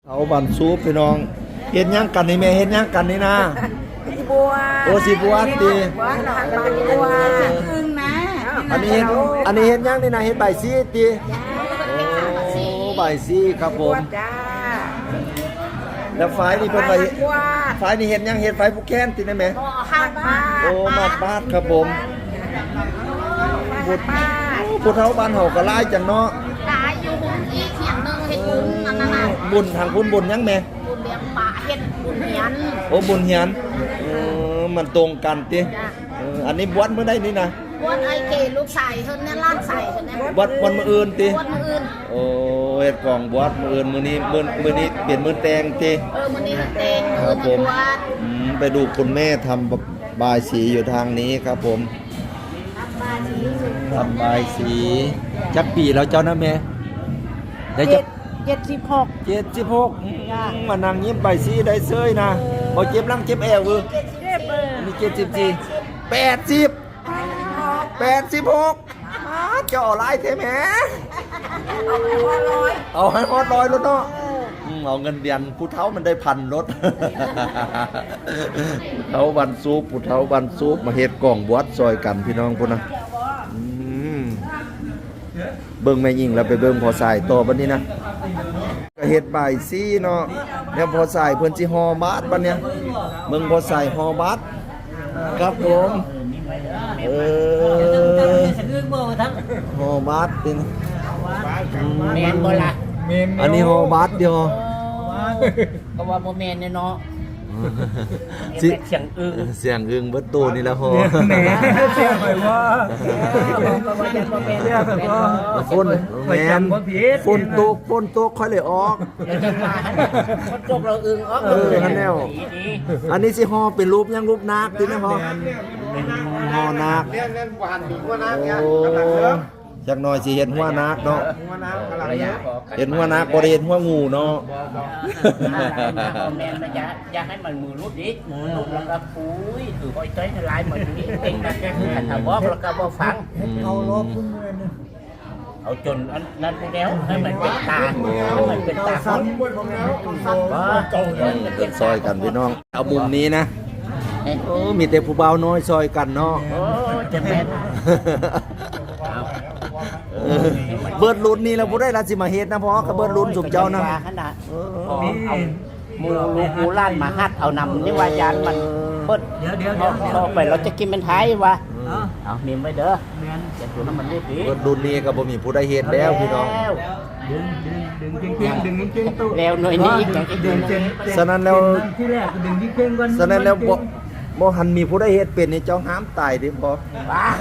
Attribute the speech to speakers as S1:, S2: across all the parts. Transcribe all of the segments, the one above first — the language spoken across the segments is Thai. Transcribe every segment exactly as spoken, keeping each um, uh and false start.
S1: เอาบันซูปพี่น้องเห็นยังกันนี่แม่เห็นยังกันนี่นะ
S2: สีบัว
S1: โอ้สีบัวตี
S2: บัวหลังบานบัวพึ่งนะ
S1: อันนี้เห็นอันนี้เห็นยังนี่นะเห็นใบซีตีโอ้ใบซีครับผมแล้วไฟนี่เป็นไฟไฟนี่เห็นยังเห็นไฟผู้แค้นตีนะแม่โอ้มาบ้านครับผมบุตรบุตรเท้าบ้านเห่ากระไล่จังเนาะ
S3: ตายอยู่บุญอีเขียงหนึ่งเห็ดบุญนั่นน่ะ
S1: บุญทางคุณบุญยังแม่
S3: บุญเลี้ยงปลาเห็ดบุญเหียน
S1: โอ้บุญเหียนเออมันตรงกันติเอออันนี้บวชเมื่อใดนี่นะ
S3: บวชไอเกลูกใส่เพิ่นเนี่ยล้านใส่เพิ่นเนี่ย
S1: บวชวันมื้ออื่นติ
S3: บวชมื้ออื่น
S1: โอ้เฮ็ดกล่องบวชมื้ออื่นมื้อนี้มื้อมื้อนี้เปลี่ยนมื้อแต่งติ
S3: เออมื้อนี้เฮ็ดแต่ง
S1: ครับผมอืมไปดูคุณแม่ทำบายสีอยู่ทางนี้ครับผมทำบายสีจักปีแล้วเจ้านะแม่ได้จัก
S2: เจ็ดสิบหก
S1: เจ็ดสิบหกมานั่งยิ้มใบสีได้เซยนะบ่เจ็บหลังเจ็บแอวเออมีเจ็ดสิบสี่แปดสิบแปดสิบหกเจ้าหลายแท้แหมเอาให้ฮอดร้อยรถเนาะเอาเงินเดือนผู้เฒ่ามันได้พันรถผู้เฒ่าบันซูปผู้เฒ่าบันซูปมาเฮ็ดกล่องบวชซอยกันพี่น้องพุ่นนะเบิ่งแม่ยิ่งแล้วไปเบิ่งพอสายต่อบัดนี้นะก็เฮ็ดใบซีเนาะแล้วพอสายเพิ่นสิห่อบาทบัดเนี้ยเบิ่งพอสายห่อบาทครับผมเออห่อบาทนี่
S3: แม่นบ่ล่ะ
S1: อันนี้ห่อบาทเดียว
S3: ก็ว่าบ่แม่นเนาะเสียงอึ้ง
S1: เสียงอึ้งเบิดตู้นี่แหละห่อ
S2: แหมเสียงไปว่า
S1: ฝนแม่นฝนตกฝนตกค่อยเลยออก
S3: ฝนตกเราอึ้งออก
S1: เออนั่นแนวอันนี้สิห่อเป็นรูปยังรูปนาคตินะห่อห่อนาคโอ้จักหน่อยสิเห็นหัวนาคเนาะเห็นหัวนาคบ่ได้เห็นหัวงูเนาะ
S3: แม่นนะจ๊ะอยากให้มันมือรุดดิมือรุดแล้วก็ปุ้ยถือห้อยใจในลายเหมือนนี้เองนะถ้าบอกแล้วก็บ่ฟัง
S2: เอาลบพุ่นเงิน
S3: เอาจนนั้นไปแล้วให้มันเป็นตาให้มันเป็นตาคน
S1: บ่ซอยกันพี่น้องเอามุมนี้นะโอ้มีแต่ผู้บ่าวน้อยซอยกันเนาะ
S3: โอ้จะแม่น
S1: เบิดรุ่นนี่แล้วบ่ได้ราสิมาเฮ็ดนะเพราะก็เบิดรุ่นสมเจ้านะ
S3: ขนาดมีหมู่ลูกหมู่ล้านมาฮัดเอานำนี่ว่ายานมันเบิดเดี๋ยวเดี๋ยวพอไปเราจะกินเป็นไทยวะเอามีไว้เด้อจะดูน้ำมันได้ดี
S1: เบิดรุ่นนี้ก็บ่มีผู้ใดเฮ็ดแล้วพี่น้อง
S2: ดึงดึงดึงเก่งๆดึงเก่งๆตู้
S3: แล้วหน่อยนี้
S1: ดึงฉะนั้นแล้ว
S2: ที่แรกดึงเก่งๆก่อน
S1: ฉะนั้นแล้วบ่บ่หันมีผู้ใดเฮ็ดเป็นนี่เจ้าห้ามตายดิบ่
S3: บ้า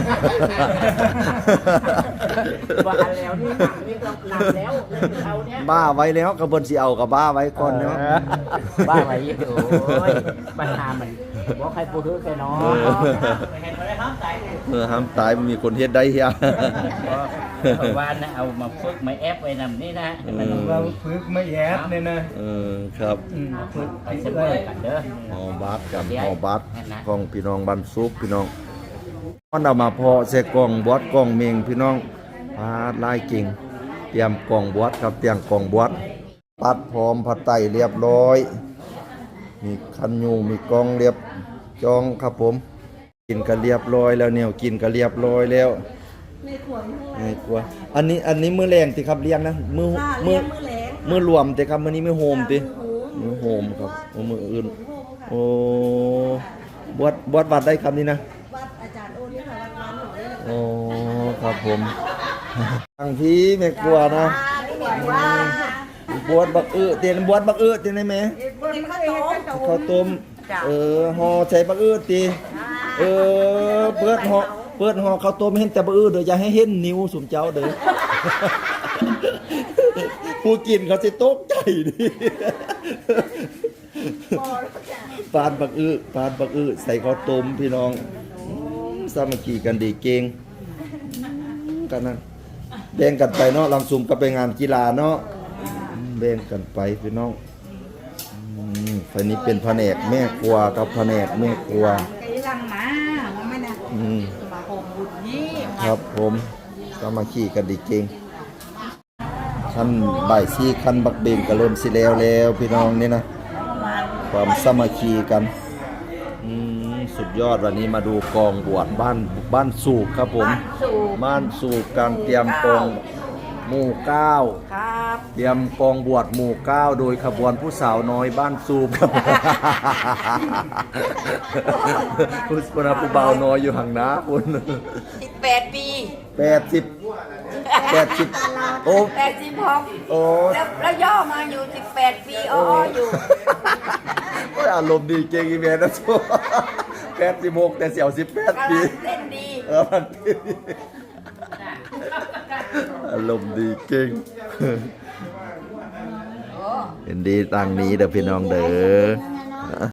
S3: บ้าแล้วนี่นี่ก็หนักแล้วเอาเนี้ย
S1: บ้าไว้แล้วก็เบิ่นสิเอาก็บ้าไว้ก่อนเนาะ
S3: บ้าไว้อยู่โอ้ยปัญหามันบ่ใครผู้ถือแค่น้อยเห็นบ่ได้ห้ามตาย
S1: เออห้ามตายมีคนเฮ็ดได้เฮีย
S3: ว่านะเอามาฝึกไม่แอปไว้นำนี่นะ
S2: มันว่าฝึกไม่แอปนี่นะ
S1: เออครับ
S3: ฝึกไปเสมอกันเด้อ
S1: ฮอบาสกันฮอบาสของพี่น้องบ้านซุปพี่น้องมันเอามาพอใส่กล่องบวชกล่องเมงพี่น้องพาดลายกิ่งเตรียมกล่องบวชครับเตรียมกล่องบวชปัดพร้อมผัดไตเรียบร้อยมีคันยูมีกล่องเรียบจองครับผมกินก็เรียบร้อยแล้วเนี่ยกินก็เรียบร้อยแล้วในขวดในขวดอันนี้อันนี้มื้อแรงติครับเลี้ยงนะมื้อมื้อมื้อรวมติครับมื้อนี้มื้อโฮมติมื้อโฮมครับมื้ออื่นโอ้บวชบวชวัดได้ครับนี่นะ
S2: วัดอาจารย์โอนี่ค่ะวัดบ้านหนูเด้อ
S1: โอ้ครับผมทางพี่แม่กลัวนะบวชบักอื้อเตียนบวชบักอื้อเตียนได้ไหมข้าวต้มเออห่อใส่บักอื้อตีเออเปิดห่อเปิดห่อข้าวต้มเห็นแต่บักอื้อเด้ออย่าให้เห็นนิ้วสุมเจ้าเด้อผู้กินเขาสิตกใจดิปานบักอื้อปานบักอื้อใส่ข้าวต้มพี่น้องสามัคคีกันดีเก่งกันนั่นแบ่งกันไปเนาะลำซุ่มก็ไปงานกีฬาเนาะแบ่งกันไปพี่น้องฝ่ายนี้เป็นแผนกแม่ครัวกับแผนกแม่ครัวครับผมสามัคคีกันดีเก่งขั้นบ่ายสี่ขั้นบักเบงก็เริ่มสิแล้วแล้วพี่น้องนี่นะความสามัคคีกันอืมสุดยอดวันนี้มาดูกองบวชบ้านบ้านสูบครับผมบ้านสูบการเตรียมกองหมู่เก้า
S3: ครับ
S1: เตรียมกองบวชหมู่เก้าโดยขบวนผู้สาวน้อยบ้านสูบครับ ผู้สาวผู้เบาน้อยอยู่ห่างนะคุณ
S4: สิบแปดปี
S1: แปดสิบแปดสิบโอ้
S4: แปดสิบหก
S1: โอ้
S4: แล้วแล้วย่อมาอยู่สิบแปดปีอ้ออยู่
S1: โอ้ยอารมณ์ดีเก่งอีเมลนะชัวแปดสิบหกแต่เสียวสิบแปด
S4: กำ
S1: ปี
S4: ลังเต้นดี
S1: เออมันดีอารมณ์ดีเก่ง
S4: โอ้
S1: เห็นดีต่างนี้เด้อพี่น้องเด้อ